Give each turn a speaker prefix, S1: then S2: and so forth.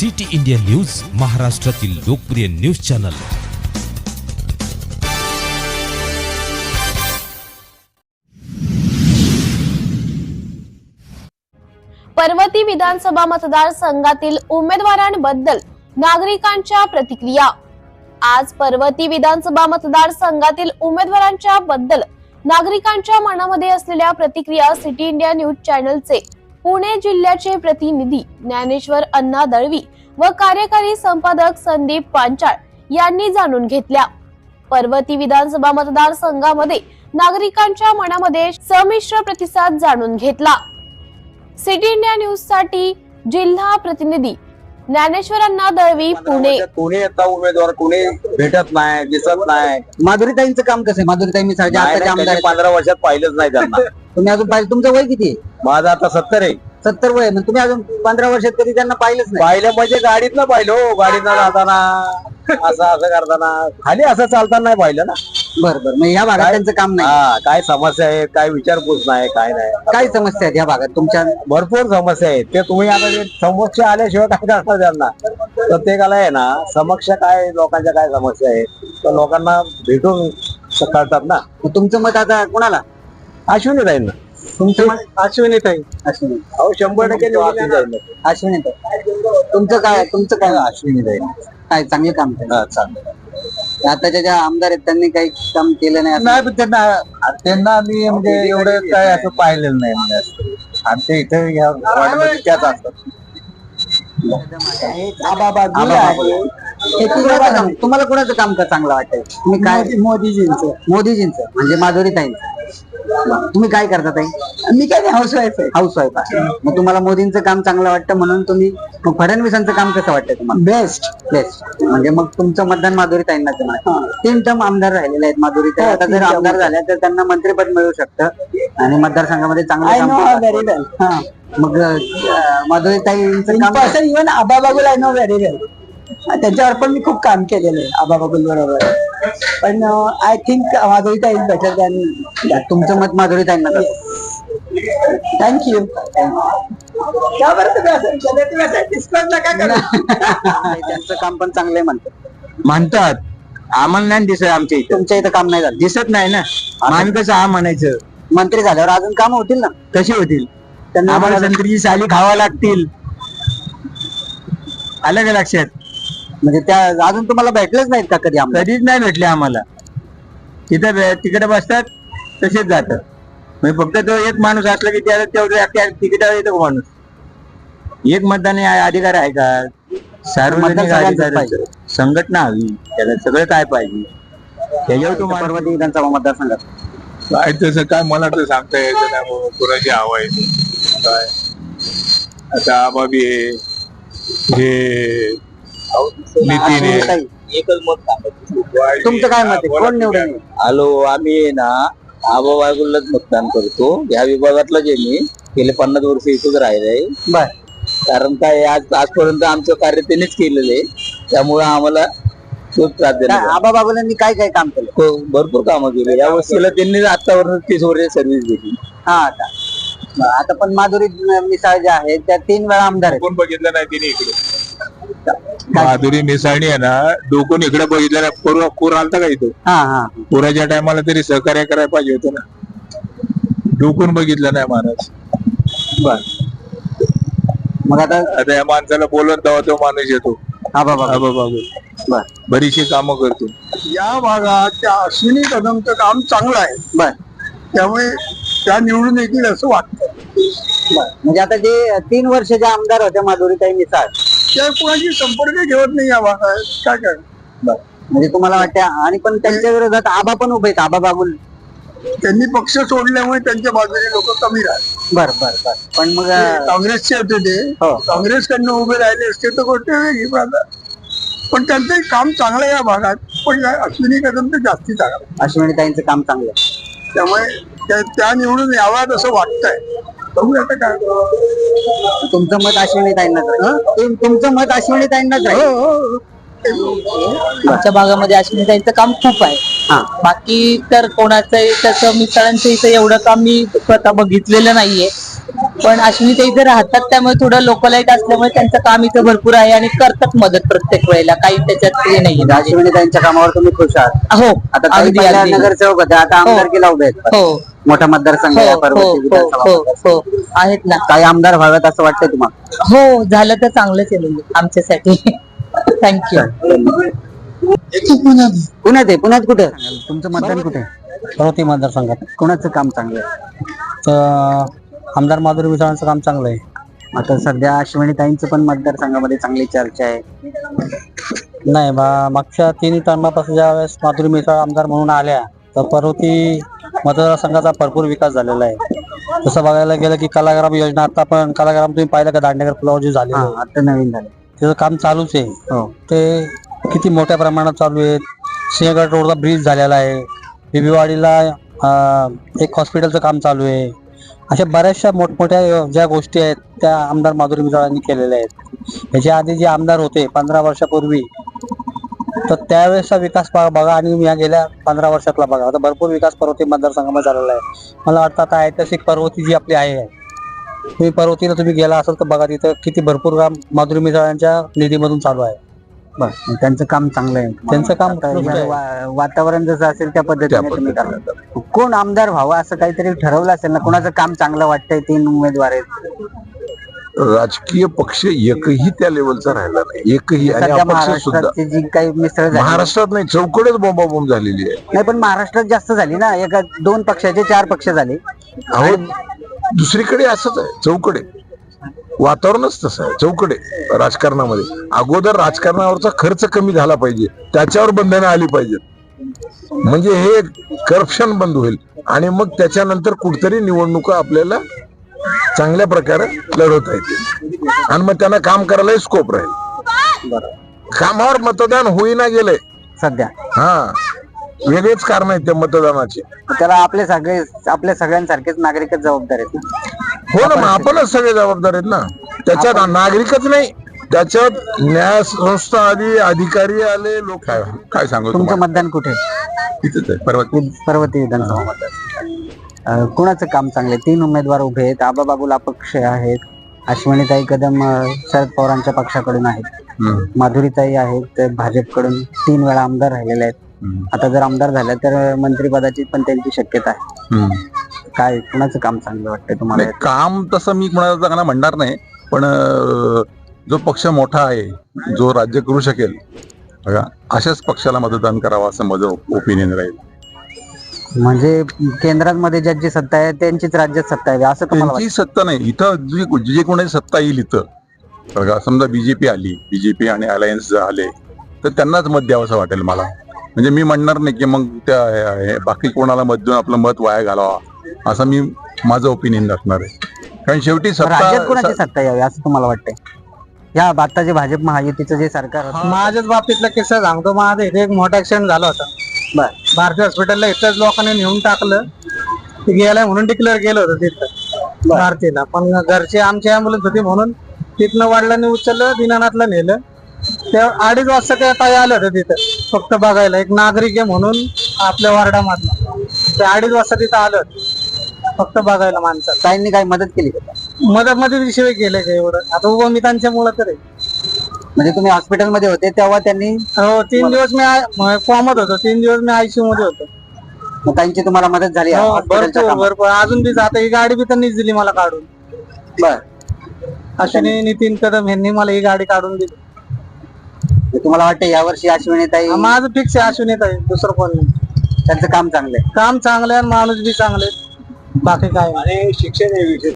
S1: City India news, महाराष्ट्रातील लोकप्रिय news channel.
S2: Parvati विधानसभा मतदारसंघातील उमेदवारांबद्दल नागरिकांच्या प्रतिक्रिया। आज पर्वती विधानसभा मतदारसंघातील उमेदवारांच्या बद्दल नागरिकांच्या मनामध्ये असलेल्या प्रतिक्रिया सिटी इंडिया न्यूज चॅनलचे पुणे जिल्ह्याचे प्रतिनिधी ज्ञानेश्वर अण्णा दळवी व कार्यकारी संपादक संदीप पांचाळ यांनी जाणून घेतल्या। पर्वती विधानसभा मतदारसंघामध्ये नागरिकांच्या मनामध्ये संमिश्र प्रतिसाद जाणून घेतला। सिटी इंडिया न्यूज साठी जिल्हा प्रतिनिधी ज्ञानेश्वर अण्णा दळवी, पुणे।
S3: कोणी आता उमेदवार कोणी भेटत नाही, दिसत नाही।
S4: माधुरीताईंचं काम कसं आहे? माधुरीताई मी आताच्या आमदार आहेत.
S3: 15 वर्षात पाहिलंच नाही त्यांना।
S4: तुम्ही अजून पाहिलं? तुमचं वय किती आहे?
S3: माझं आता 70 आहे।
S4: 70 वय, मग तुम्ही अजून 15 वर्षात कधी त्यांना पाहिलंच नाही?
S3: पाहिलं म्हणजे गाडीतनं पाहिलं, गाडीतनं जाताना असं करताना, खाली असं चालताना नाही पाहिलं ना।
S4: बरं, मग या भागात त्यांचं काम नाही?
S3: हा, काय समस्या आहे, काय विचारपूस नाही, काय नाही।
S4: काय समस्या आहेत या भागात तुमच्या?
S3: भरपूर समस्या आहेत, ते तुम्ही आता समक्ष आल्याशिवाय काय करणार त्यांना? प्रत्येकाला आहे ना समक्ष काय लोकांच्या काय समस्या आहेत तर लोकांना भेटून कळतात ना।
S4: मग तुमचं मत आता कोणाला?
S3: अश्विनी ताई ना।
S4: तुमचं मत?
S3: अश्विनी ताई।
S4: अश्विनी।
S3: अहो 100%
S4: अश्विनी ताई। तुमचं काय?
S3: अश्विनी ताई
S4: काय चांगलं काम केलं?
S3: चांगलं।
S4: आताच्या ज्या आमदार आहेत त्यांनी काही काम केलं नाही असं?
S3: नाही, पण त्यांना मी म्हणजे एवढं काय असं पाहिलेलं नाही म्हणजे आमच्या इथे या वार्डमध्ये त्याच असतात।
S4: तुम्हाला कोणाचं काम का चांगलं वाटतंय? तुम्ही काय? मोदीजींचं म्हणजे माधुरीताईंचं। तुम्ही काय करता ताई?
S5: मी काय हाऊसवाईफ आहे।
S4: हाऊसवाईफ आहे। मग तुम्हाला मोदींचं काम चांगलं वाटतं म्हणून तुम्ही, मग फडणवीसांचं काम कसं वाटतंय तुम्हाला? बेस्ट। म्हणजे मग तुमचं मतदान माधुरीताईंना तुम्हाला? 3 टर्म आमदार राहिलेले आहेत माधुरीताई। आता जर आमदार झाल्या तर त्यांना मंत्रिपद मिळू शकतं आणि मतदारसंघामध्ये चांगलं काम। मग माधुरीताईंचं काम?
S5: Even Aba Bagul I know very well, त्यांच्यावर पण मी खूप काम केलेलं आहे आबा बागुल बरोबर। पण आय थिंक माधुरीताई इज बेटर दॅन।
S4: तुमचं मत माधुरीताईंना?
S5: थँक्यू।
S4: त्यांचं काम पण चांगलं
S3: म्हणतात, आम्हाला नाही दिसत आमच्या इथे।
S4: तुमच्या इथं काम नाही झालं?
S3: दिसत नाही ना, आम्ही कसं हा म्हणायचं?
S4: मंत्री झाल्यावर अजून काम होतील ना?
S3: कशी होतील?
S4: त्यांना
S3: आम्हाला संत्रीची साली खावा लागतील, आलं का लक्षात?
S4: म्हणजे त्या अजून तुम्हाला भेटलेच नाहीत का कधी आमदार?
S3: कधीच नाही भेटले आम्हाला। तिथे तिकडे बसतात तसेच जातात। म्हणजे फक्त तो एक माणूस असला की त्याला तेवढं तिकिटावर येतो माणूस। एक मतदान अधिकार आहे का? सार्वजनिक अधिकार, संघटना हवी, त्याला सगळं काय पाहिजे त्याच्यावर तो
S4: पर्वती विधानसभा मतदारसंघात
S6: काय तसं काय मला तर सांगता यायचं नाही कोणाची हवा आहे काय। आता आबाबी हे नितीन आहे।
S3: एकच मत सांगत।
S4: तुमचं काय मत आहे? कोण निवडून?
S3: हॅलो, आम्ही ना आबा बागुललाच मतदान करतो। या विभागातलं जे मी गेले 50 वर्ष इथंच राहिलंय।
S4: बर।
S3: कारण काय आजपर्यंत आमचं कार्य त्यांनीच केलेलं आहे, त्यामुळे आम्हाला खूप त्रास दिला।
S4: आबा बागुलांनी काय काय काम केलं?
S3: भरपूर कामं केली या वर्षीला त्यांनी। आतापर्यंत 30 वर्ष सर्व्हिस दिली।
S4: हा, आता पण माधुरी मिसाळ ज्या आहेत त्या 3 वेळा आमदार आहेत।
S6: कोण बघितलं नाही तिने इकडे? माधुरी मिसाळणी आहे ना, डोकून इकडे बघितलं नाही। पूर आलता का इथं? पुराच्या टायमाला तरी सहकार्य करायला पाहिजे होतं ना, डोकून बघितलं नाही महाराज।
S4: बर, मग
S6: आता या माणसाला बोलत तेव्हा तो माणूस येतो
S4: आबा
S6: बागुल।
S4: बर,
S6: बरीचशी कामं करतो
S5: या भागात त्या अश्विनी कदमचं काम चांगलं आहे।
S4: बर,
S5: त्यामुळे त्या निवडून येतील असं वाटतं।
S4: म्हणजे आता जे 3 वर्ष ज्या आमदार होत्या माधुरीताई मिसाळ,
S5: त्या कोणाशी संपर्क ठेवत नाही या भागात, काय काय।
S4: म्हणजे तुम्हाला वाटतं? आणि पण त्यांच्या विरोधात आबा पण उभे आहेत, आबा बागुल।
S5: त्यांनी पक्ष सोडल्यामुळे त्यांच्या बाजूने लोक कमी राहतात।
S4: बर बर बर, पण मग
S5: काँग्रेसचे होते ते,
S4: हो।
S5: काँग्रेसकडनं उभे राहिले असते तर गोष्ट वेगळी राहतात। पण त्यांचं काम चांगलं आहे या भागात, पण अश्विनी कदम तर जास्ती चांगलं।
S4: अश्विनीताईंचं काम चांगलं आहे,
S5: त्यामुळे त्या निवडून याव्यात असं वाटतंय। बघूया आता काय।
S4: तुमचं मत अश्विनीताईंनाच राहील? तुमचं मत अश्विनीताईंनाच राहील?
S7: आमच्या भागामध्ये अश्विनीताईंचं काम खूप आहे। बाकी तर कोणाचं तसं मिसळांचं इथं एवढं काम मी स्वतः बघितलेलं नाहीये। पण अश्विनी ते इथे राहतात त्यामुळे थोडं लोकलाईट असल्यामुळे त्यांचं काम इथं भरपूर आहे आणि करतात मदत प्रत्येक वेळेला, काही त्याच्यात हे नाही.
S4: अश्विनीताईंच्या कामावर तुम्ही खुश आहात?
S7: हो,
S4: आता ताई
S7: अगदी
S4: पहिल्या
S7: अगदी.
S4: नगरसेवक होत्या, आता आमदारकीला उभे आहेत.
S7: हो
S4: मोठा मतदारसंघ आहे
S7: हो
S4: पर्वती
S7: हो
S4: विधानसभा
S7: हो
S4: मतदारसंघ.
S7: हो आहेत ना.
S4: काही आमदार व्हावेत असं वाटतंय तुम्हाला?
S7: हो, झालं तर चांगलंच आहे म्हणजे आमच्यासाठी. थँक्यू.
S4: पुण्यात आहे. पुण्यात कुठे तुमचं मतदान कुठे?
S5: पर्वती मतदारसंघात
S4: कोणाचं काम चांगलं आहे?
S5: तर आमदार माधुरी मिसाळांचं काम चांगलं आहे.
S4: आता सध्या अश्विनीताईंचं पण मतदारसंघामध्ये चांगली चर्चा आहे.
S5: नाही मागच्या 3 टर्मापासून ज्या वेळेस माधुरी मिसाळ आमदार म्हणून आल्या तर पर्वती मतदारसंघाचा भरपूर विकास झालेला आहे. तसं बघायला गेलं की कलाग्राम योजना, आता पण कलाग्राम तुम्ही पाहिलं का दांडेकर पुलावर जे झाले
S4: आता नवीन झालं
S5: त्याचं काम चालूच आहे.
S4: हो.
S5: ते किती मोठ्या प्रमाणात चालू आहे. सिंहगड रोडला ब्रिज झालेला आहे. बिबीवाडीला एक हॉस्पिटलचं काम चालू आहे. अशा बऱ्याचशा मोठमोठ्या ज्या गोष्टी आहेत त्या आमदार माधुरी मिसाळांनी केलेल्या आहेत. याच्या आधी जे आमदार होते 15 वर्षापूर्वी, तर त्यावेळेसचा विकास बघा आणि या गेल्या 15 वर्षातला बघा. आता भरपूर विकास पर्वती मतदारसंघामध्ये झालेला आहे. मला वाटतं आता ऐतिहासिक पर्वती जी आपली आहे, तुम्ही पर्वतीला तुम्ही गेला असाल तर बघा तिथं किती भरपूर काम माधुरी मिसाळांच्या निधीमधून चालू आहे.
S4: बरं, त्यांचं काम चांगलं आहे.
S5: त्यांचं काम
S4: आता
S5: उत्कृष्ट आहे.
S4: वातावरण जसं असेल त्या पद्धतीने तुम्ही करता. कोण आमदार व्हावं असं काहीतरी ठरवलं असेल ना? कोणाचं काम चांगलं वाटतंय? 3 उमेदवार आहेत.
S6: राजकीय पक्ष एकही त्या लेवलचा राहिला नाही, एकही. आणि
S4: सध्या
S6: अपक्ष सुद्धा
S4: महाराष्ट्राची जी काही मिसळ झाली,
S6: महाराष्ट्रात नाही, चौकडेच बोंबाबोंब झालेली आहे.
S4: नाही पण महाराष्ट्रात जास्त झाली ना. 2 पक्षाचे 4 पक्ष झाले.
S6: अहो, दुसरीकडे असंच आहे, चौकडे वातावरणच तसं आहे. चौकडे राजकारणामध्ये अगोदर राजकारणावरचा खर्च कमी झाला पाहिजे, त्याच्यावर बंधनं आली पाहिजेत, म्हणजे हे करप्शन बंद होईल आणि मग त्याच्यानंतर कुठतरी निवडणुका आपल्याला चांगल्या प्रकारे लढवता येतील आणि मग त्यांना काम करायला स्कोप राहील. कामावर मतदान होईना गेलंय
S4: सध्या.
S6: वेगळेच कारण आहेत त्या मतदानाचे.
S4: त्याला आपले आपल्या सगळ्यांसारखेच नागरिकच जबाबदार आहेत ना.
S6: हो ना, मग आपणच सगळे जबाबदार आहेत ना. त्याच्यात नागरिकच नाही, त्याच्यात न्याय संस्था आली, अधिकारी आले, लोक. काय सांगू
S4: तुमचं मतदान कुठे?
S6: तिथेच आहे,
S4: पर्वती विधानसभा मतदार. कुणाचं काम चांगले? 3 उमेदवार उभे आहेत. आबाबाबूल अपक्ष आहेत. अश्विनीताई कदम शरद पवारांच्या पक्षाकडून आहेत. माधुरीताई आहेत भाजपकडून, 3 वेळा आमदार राहिलेले आहेत. आता जर आमदार झाल्या तर मंत्रिपदाची पण त्यांची शक्यता आहे. काय कुणाचं काम चांगलं वाटतंय तुम्हाला?
S8: काम तसं मी कोणाला म्हणणार नाही, पण जो पक्ष मोठा आहे, जो राज्य करू शकेल, बघा अशाच पक्षाला मतदान करावं असं माझं ओपिनियन राहील.
S4: म्हणजे केंद्रामध्ये ज्यांची सत्ता आहे त्यांचीच राज्यात सत्ता आहे असं तुम्हाला
S8: त्यांची सत्ता नाही. इथं जे कोणाची सत्ता येईल इथं, बघा समजा बीजेपी आली, बीजेपी आणि अलायन्स आले तर त्यांनाच मत द्यावं असं वाटेल मला. म्हणजे मी म्हणणार नाही की मग त्या बाकी कोणाला मत देऊन आपलं मत वाया घालावा असं मी माझं ओपिनियन असणार आहे. कारण शेवटी
S4: राज्यात कोणाची सत्ता यावी असं तुम्हाला वाटतंय? या आता जे भाजप महायुतीचं जे सरकार होतं,
S5: माझ्याच बाबतीतला किस्सा सांगतो. माझा इथे एक मोठा ऍक्सिडेंट झाला होता. भारतीय हॉस्पिटलला इथंच लोकांनी नेऊन टाकलं. ते गेलाय म्हणून डिक्लेअर केलं होतं तिथं भारतीला, पण घरचे आमची अँब्युलन्स होती म्हणून तिथनं वडिलांनी उचललं, दिनानाथला नेलं. त्या 2:30 वाजता त्या ताई आलं होतं तिथं फक्त बघायला. एक नागरिक आहे म्हणून आपल्या वार्डामधला, ते 2:30 वाजता तिथं आलं फक्त बघायला माणसाला.
S4: ताईंनी काय मदत केली?
S5: मदत मध्ये शिवाय केलंय का एवढं? आता उभं मी त्यांच्यामुळं तर आहे.
S4: म्हणजे तुम्ही हॉस्पिटलमध्ये होते तेव्हा त्यांनी?
S5: हो, 3 दिवस मी फॉर्मात होतो, 3 दिवस मी आयसीयू मध्ये होतो.
S4: मग त्यांची तुम्हाला मदत झाली?
S5: भरपूर. अजून बी आता ही गाडी बी त्यांनीच दिली मला काढून.
S4: बर.
S5: अश्विनी नितीन कदम यांनी मला ही गाडी काढून दिली.
S4: तुम्हाला वाटतं यावर्षी अश्विनीताई?
S5: माझं फिक्स आहे अश्विनीताई, दुसरं कोण नाही.
S4: त्यांचं काम चांगलं आहे.
S5: काम चांगलं आहे, माणूस बी चांगले, बाकी काय.
S3: आणि शिक्षण